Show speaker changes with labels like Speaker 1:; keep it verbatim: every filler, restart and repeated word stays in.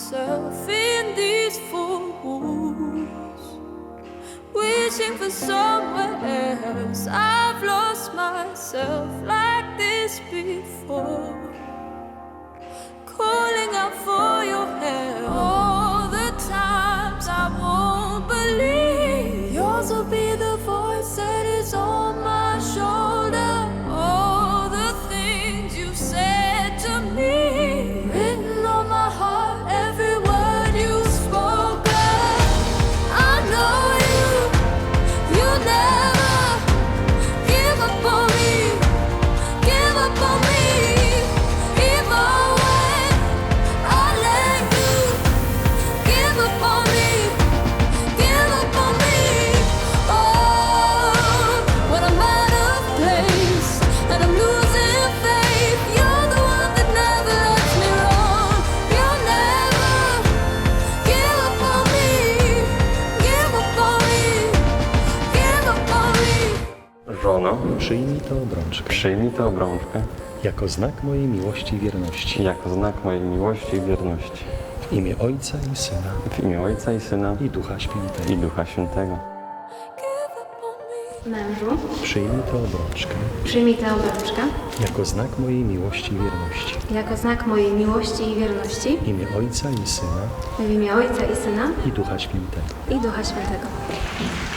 Speaker 1: myself in these four walls, wishing for somewhere else. I've lost myself like this before, calling out for your help. All the times I won't believe, yours will be the voice that is on my shoulder. All the things you said to me, written on my heart, every word you spoken. I know you, you never give up on me, give up on me, even when I let you give up on me, give up on me. Oh, when I'm out of place and I'm losing faith, you're the one that never lets me wrong. You'll never give up on me, give up on me, give up on me.
Speaker 2: Żono,
Speaker 3: Przyjmij tę obrączkę
Speaker 2: przyjmij tę obrączkę
Speaker 3: jako znak mojej miłości i wierności.
Speaker 2: jako znak mojej miłości i wierności.
Speaker 3: W imię Ojca i Syna
Speaker 2: W imię Ojca i Syna
Speaker 3: i Ducha Świętego.
Speaker 2: i Ducha Świętego.
Speaker 1: Give up on me.
Speaker 4: Mężu,
Speaker 3: Przyjmij tę obrączkę
Speaker 4: przyjmij tę obrączkę
Speaker 3: jako znak mojej miłości i wierności.
Speaker 4: jako znak mojej miłości i wierności
Speaker 3: W imię Ojca i Syna
Speaker 4: w imię Ojca i Syna
Speaker 3: i Ducha Świętego.
Speaker 4: i Ducha Świętego.